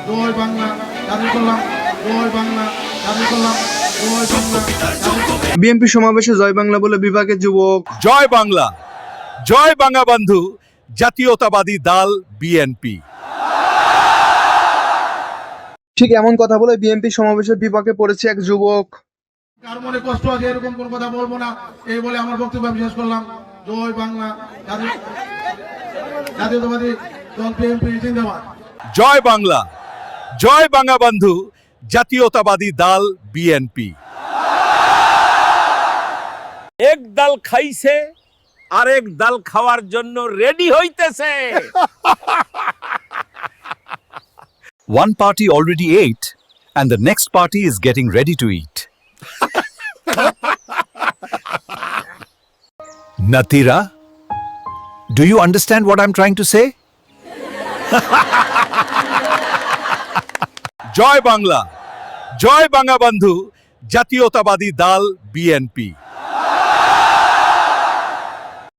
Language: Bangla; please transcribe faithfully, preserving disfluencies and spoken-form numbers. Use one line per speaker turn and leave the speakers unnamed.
জয় বাংলা জারি করলাম, জয় বাংলা জারি করলাম, জয় বাংলা।
বিএনপি সমাবেশে জয় বাংলা বলে বিভাগের যুবক।
জয় বাংলা, জয় বঙ্গবন্ধু জাতীয়তাবাদী দল বিএনপি।
ঠিক এমন কথা বলে বিএনপি সমাবেশের বিপাকে পড়েছে এক যুবক।
কার মনে কষ্ট আছে এরকম কোন কথা বলবো না, এই বলে আমার বক্তব্য আমি শেষ করলাম। জয় বাংলা জাতীয়- জাতীয়তাবাদী দল বিএনপি জিন্দাবাদ।
জয় বাংলা, জয় বঙ্গবন্ধু জাতীয়তাবাদী দল বিএনপি।
এক ডাল খাইছে আরেক ডাল খাওয়ার জন্য রেডি হইতেছে।
One party already ate, and the next party is getting ready to eat. Natira, do you understand what I'm trying to say?
জয় বাংলা, জয় বঙ্গবন্ধু জাতীয়তাবাদী দল বিএনপি।